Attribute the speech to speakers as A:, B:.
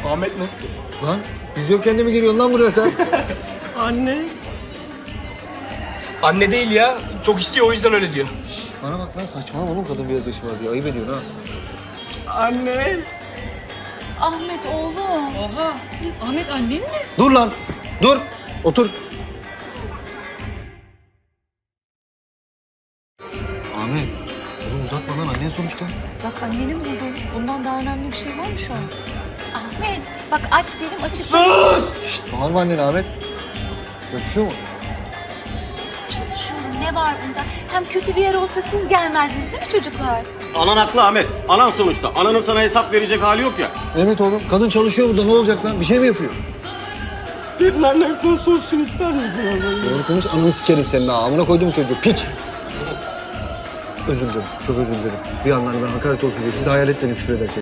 A: Ahmet mi?
B: Lan biz yokken de mi geliyorsun lan buraya sen?
C: Anne.
A: Anne değil ya. Çok istiyor o yüzden öyle diyor.
B: Bana bak lan saçmalama oğlum kadın biraz yaşı var diye. Ayıp ediyorsun ha.
C: Anne.
D: Ahmet oğlum.
E: Oha. Ahmet annen mi?
B: Dur lan. Dur. Otur. Ahmet. Oğlum uzatma lan annen sonuçta.
D: Bak anneni buldum. Bundan daha önemli bir şey var mı şu an? Ahmet bak aç dedim açık.
B: Şşt bağırma annene Ahmet. Öpüşüyor mu?
D: Çalışıyorum ne var bunda? Hem kötü bir yer olsa siz gelmezdiniz değil mi çocuklar?
F: Anan haklı Ahmet. Anan sonuçta. Ananın sana hesap verecek hali yok ya.
B: Evet oğlum. Kadın çalışıyor burada. Ne olacak lan? Bir şey mi yapıyor?
C: Senin annen konsolsun ister miydin oğlum?
B: Doğru konuş. Ananı sikerim senin ha. Amına koydum çocuğu. Piç. Özür dilerim. Çok özür dilerim. Bir yandan ben hakaret olsun diye sizi hayal etmedim küfür ederken.